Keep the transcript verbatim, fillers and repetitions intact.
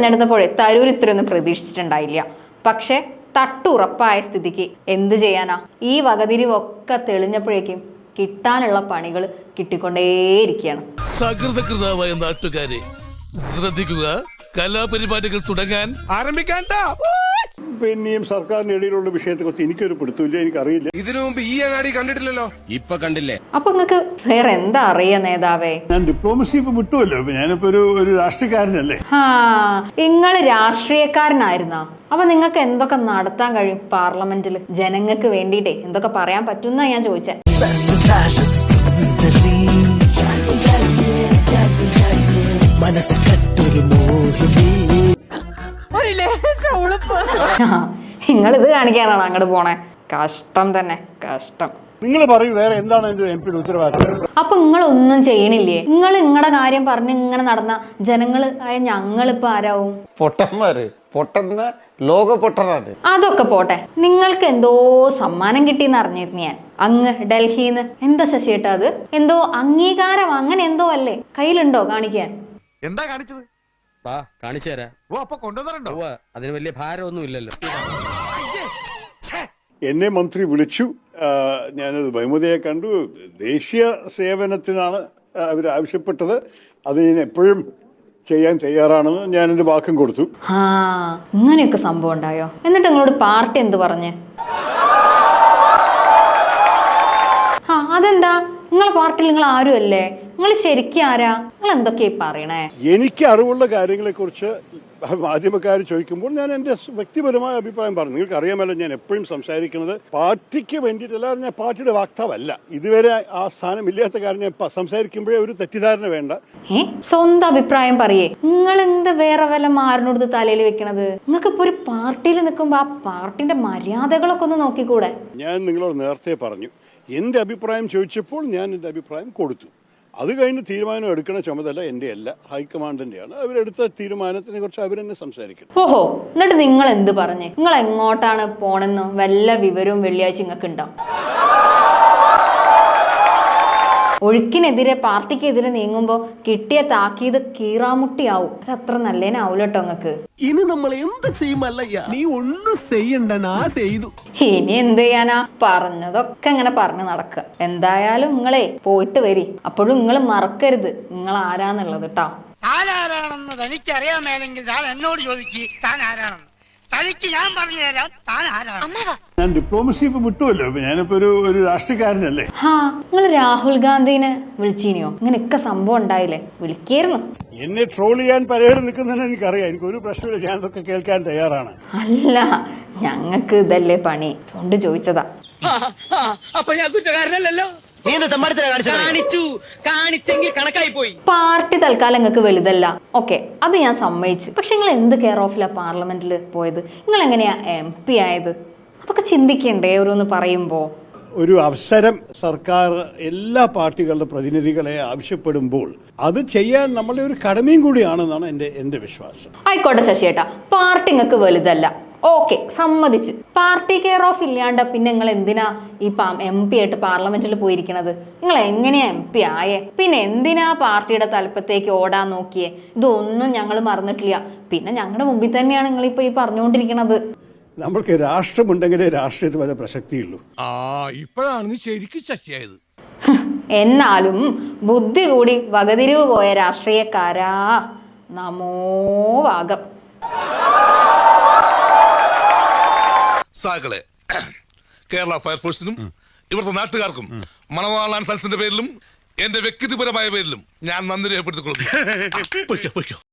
തെരഞ്ഞെടുത്തപ്പോഴേ തരൂർ ഇത്രയൊന്നും പ്രതീക്ഷിച്ചിട്ടുണ്ടായില്ല. പക്ഷെ തട്ടുറപ്പായ സ്ഥിതിക്ക് എന്ത് ചെയ്യാനാ? ഈ വകതിരിവൊക്കെ തെളിഞ്ഞപ്പോഴേക്കും കിട്ടാനുള്ള പണികൾ കിട്ടിക്കൊണ്ടേയിരിക്കുകയാണ്. സകൃതകൃതാവായ നാട്ടുകാരെ ശ്രദ്ധിക്കുക, കലാപരിപാടികൾ തുടങ്ങാൻ ആരംഭിക്കാൻ. പിന്നെയും സർക്കാരിന് ഇടയിലുള്ള വിഷയത്തെ കുറിച്ച് എനിക്കൊരു പിടുത്തമില്ല, എനിക്കറിയില്ല. ഇതിനു മുമ്പ് ഈ അങ്ങാടി കണ്ടിട്ടില്ലല്ലോ, ഇപ്പൊ കണ്ടില്ലേ? അപ്പൊ നിങ്ങക്ക് വേറെ എന്താ അറിയാ നേതാവേ? ഞാൻ ഡിപ്ലോമസി ഇപ്പൊ വിട്ടുമല്ലോ, ഞാനിപ്പോ ഒരു ഒരു രാഷ്ട്രീയക്കാരനല്ലേ. ആ, നിങ്ങള് രാഷ്ട്രീയക്കാരനായിരുന്നാ? അപ്പൊ നിങ്ങൾക്ക് എന്തൊക്കെ നടത്താൻ കഴിയും പാർലമെന്റിൽ? ജനങ്ങൾക്ക് വേണ്ടിട്ടേ എന്തൊക്കെ പറയാൻ പറ്റുന്ന ഞാൻ ചോദിച്ചേ. നിങ്ങൾ ഇത് കാണിക്കാനാണോ അങ്ങോട്ട് പോണേ? കഷ്ടം തന്നെ, കഷ്ടം. നിങ്ങൾ പറയൂ, വേറെ എന്താണ് എന്റെ എം പിയുടെ ഉത്തരവാദിത്വം? അപ്പൊ നിങ്ങളൊന്നും ചെയ്യണില്ലേ? നിങ്ങൾ നിങ്ങളുടെ കാര്യം പറഞ്ഞ് ഇങ്ങനെ നടന്ന ജനങ്ങള് ആയ ഞങ്ങളിപ്പോ ആരാവും? പൊട്ടന്മാര്, പൊട്ടന്ന ലോക പൊട്ടനാണ്. അതൊക്കെ പോട്ടെ, നിങ്ങൾക്ക് എന്തോ സമ്മാനം കിട്ടിയെന്ന് അറിഞ്ഞിരുന്നു ഞാൻ അങ്ങ് ഡൽഹിന്ന്. എന്താ ശശിയേട്ടാ അത്? എന്തോ അംഗീകാരം അങ്ങനെ എന്തോ അല്ലേ? കയ്യിലുണ്ടോ കാണിക്കാൻ? എന്താ കാണിച്ചത്? വാ കാണിച്ചു തരാം. ഓ, അപ്പൊ കൊണ്ടുവന്നിട്ടുണ്ടോ? അതിന് വലിയ ഭാരമൊന്നും ഇല്ലല്ലോ. എന്നെ മന്ത്രി വിളിച്ചു, ഞാനത് ബഹുമതിയെ കണ്ടു. ദേശീയ സേവനത്തിനാണ് അവർ ആവശ്യപ്പെട്ടത്, അത് ഞാൻ എപ്പോഴും ചെയ്യാൻ തയ്യാറാണെന്ന് ഞാൻ എൻ്റെ വാക്കും കൊടുത്തു. ആ, ഇങ്ങനെയൊക്കെ സംഭവം ഉണ്ടായോ? എന്നിട്ട് നിങ്ങളോട് പാർട്ടി എന്ത് പറഞ്ഞ്? ആ, അതെന്താ? നിങ്ങളെ പാർട്ടിയിൽ നിങ്ങൾ ആരും അല്ലേ? നിങ്ങൾ ശരിക്കും ആരാ? നിങ്ങൾ എന്തൊക്കെയാ പറയണേ? എനിക്ക് അറിവുള്ള കാര്യങ്ങളെ കുറിച്ച് മാധ്യമക്കാർ ചോദിക്കുമ്പോൾ ഞാൻ എൻ്റെ വ്യക്തിപരമായ അഭിപ്രായം പറഞ്ഞു. നിങ്ങൾക്ക് അറിയാമല്ലോ, ഞാൻ എപ്പോഴും സംസാരിക്കുന്നത് പാർട്ടിക്ക് വേണ്ടിയിട്ടല്ല. ഞാൻ പാർട്ടിയുടെ വാക്താവല്ല. ഇതുവരെ ആ സ്ഥാനം ഇല്ലാത്ത കാര്യം ഞാൻ സംസാരിക്കുമ്പോഴേ ഒരു തെറ്റിദ്ധാരണ വേണ്ട. ഏ, സ്വന്തം അഭിപ്രായം പറയേ. നിങ്ങൾ എന്ത് വേറെ വല്ല മാറിനോടുത്ത് തലയിൽ വെക്കണത്? നിങ്ങൾക്ക് ഇപ്പൊ ഒരു പാർട്ടിയിൽ നിൽക്കുമ്പോ ആ പാർട്ടിന്റെ മര്യാദകളൊക്കെ ഒന്ന് നോക്കിക്കൂടെ? ഞാൻ നിങ്ങളോട് നേരത്തെ പറഞ്ഞു, എൻ്റെ അഭിപ്രായം ചോദിച്ചപ്പോൾ ഞാൻ എൻ്റെ അഭിപ്രായം കൊടുത്തു. അത് കഴിഞ്ഞ് തീരുമാനം എടുക്കുന്ന ചുമതല എൻ്റെ അല്ല, ഹൈക്കമാൻഡിൻ്റെയാണ്. അവരെടുത്ത തീരുമാനത്തിനെ കുറിച്ച് അവരെന്നെ സംസാരിക്കണം. ഓഹോ, എന്നിട്ട് നിങ്ങൾ എന്ത് പറഞ്ഞേ? നിങ്ങൾ എങ്ങോട്ടാണ് പോണെന്ന് വല്ല വിവരവും വെള്ളിയാഴ്ച നിങ്ങൾക്ക് ഉണ്ടാവും? ഒഴുക്കിനെതിരെ പാർട്ടിക്കെതിരെ നീങ്ങുമ്പോ കിട്ടിയ താക്കീത് കീറാമുട്ടിയാവും. അത് അത്ര നല്ലേനാവൂലട്ടോ നിങ്ങക്ക്. ഇനി നമ്മൾ എന്ത് ചെയ്യുമല്ലയ്യ? നീ ഒന്നും ചെയ്യണ്ട, ചെയ്തു. ഇനി എന്ത് ചെയ്യാനാ? പറഞ്ഞതൊക്കെ ഇങ്ങനെ പറഞ്ഞു നടക്കുക. എന്തായാലും നിങ്ങളെ പോയിട്ട് വരി. അപ്പോഴും നിങ്ങൾ മറക്കരുത് നിങ്ങൾ ആരാന്നുള്ളത് ട്ടാ. താൻ ആരാണെന്ന് തനിക്കറിയാമേലെങ്കിൽ താൻ എന്നോട് ചോദിക്ക്, താൻ ആരാണെന്ന്. തനിക്ക് ഞാൻ പറഞ്ഞു തരാം താൻ ആരാണ്. ഞാൻ ഡിപ്ലോമസി ഇപ്പൊ വിട്ടുമല്ലോ, ഞാനിപ്പോ ഒരു ഒരു രാഷ്ട്രീയക്കാരനല്ലേ. ഹാ, നിങ്ങൾ രാഹുൽ ഗാന്ധിനെ വിളിച്ചീനിയോ? ഇങ്ങനെയൊക്കെ സംഭവം ഉണ്ടായില്ലേ? വിളിക്കായിരുന്നു. എന്നെ ട്രോൾ ചെയ്യാൻ പലരും നിൽക്കുന്നതിന് എനിക്കറിയാം. എനിക്ക് ഒരു പ്രശ്നമില്ല, ഞാൻ അതൊക്കെ കേൾക്കാൻ തയ്യാറാണ്. അല്ല, ഞങ്ങക്ക് ഇതല്ലേ പണി, അതുകൊണ്ട് ചോദിച്ചതാ. അപ്പൊ ഞാൻ കുറ്റക്കാരനല്ലോ. കാണിച്ചു കാണിച്ചെങ്കിൽ കണക്കായി പോയി. പാർട്ടി തൽക്കാലം നിങ്ങൾക്ക് വലുതല്ല, ഓക്കെ, അത് ഞാൻ സമ്മതിച്ചു. പക്ഷെ നിങ്ങൾ എന്ത് കെയർ ഓഫിലാ പാർലമെന്റിൽ പോയത്? നിങ്ങൾ എങ്ങനെയാ എം പി ആയത്? അതൊക്കെ ചിന്തിക്കണ്ടേ ഓരോന്ന് പറയുമ്പോ? ഒരു അവസരം സർക്കാർ എല്ലാ പാർട്ടികളുടെ പ്രതിനിധികളെ ആവശ്യപ്പെടുമ്പോൾ അത് ചെയ്യാൻ നമ്മളുടെ ഒരു കടമയും കൂടിയാണെന്നാണ് എൻ്റെ എൻ്റെ വിശ്വാസം. ആയിക്കോട്ടെ ശശിയേട്ടാ, പാർട്ടി നിങ്ങൾക്ക് വലുതല്ല, ഓക്കെ, സമ്മതിച്ച്. പാർട്ടി കെയർ ഓഫ് ഇല്ലാണ്ട് പിന്നെ നിങ്ങൾ എന്തിനാ ഈ എം പി ആയിട്ട് പാർലമെന്റിൽ പോയിരിക്കണത്? നിങ്ങൾ എങ്ങനെയാ എം പി ആയേ? പിന്നെ എന്തിനാ പാർട്ടിയുടെ തലപ്പത്തേക്ക് ഓടാൻ നോക്കിയേ? ഇതൊന്നും ഞങ്ങൾ മറന്നിട്ടില്ല. പിന്നെ ഞങ്ങളുടെ മുമ്പിൽ തന്നെയാണ് നിങ്ങളിപ്പോ ഈ പറഞ്ഞുകൊണ്ടിരിക്കണത്. നമ്മൾക്ക് രാഷ്ട്രമുണ്ടെങ്കിലേ രാഷ്ട്രീയത്തിൽ വല്ല പ്രസക്തിയുള്ളൂ. ആ, ഇപ്പോഴാണ് ശരിക്കും ശശിയായത്. എന്നാലും ബുദ്ധി കൂടി വകതിരിവ് പോയ രാഷ്ട്രീയക്കാരാ, നമോ വാഗം. സാകളെ, കേരള ഫയർഫോഴ്സിനും ഇവിടുത്തെ നാട്ടുകാർക്കും മണവാളാൻ സൽസിന്റെ പേരിലും എന്റെ വ്യക്തിപരമായ പേരിലും ഞാൻ നന്ദി രേഖപ്പെടുത്തിക്കൊള്ളുന്നു.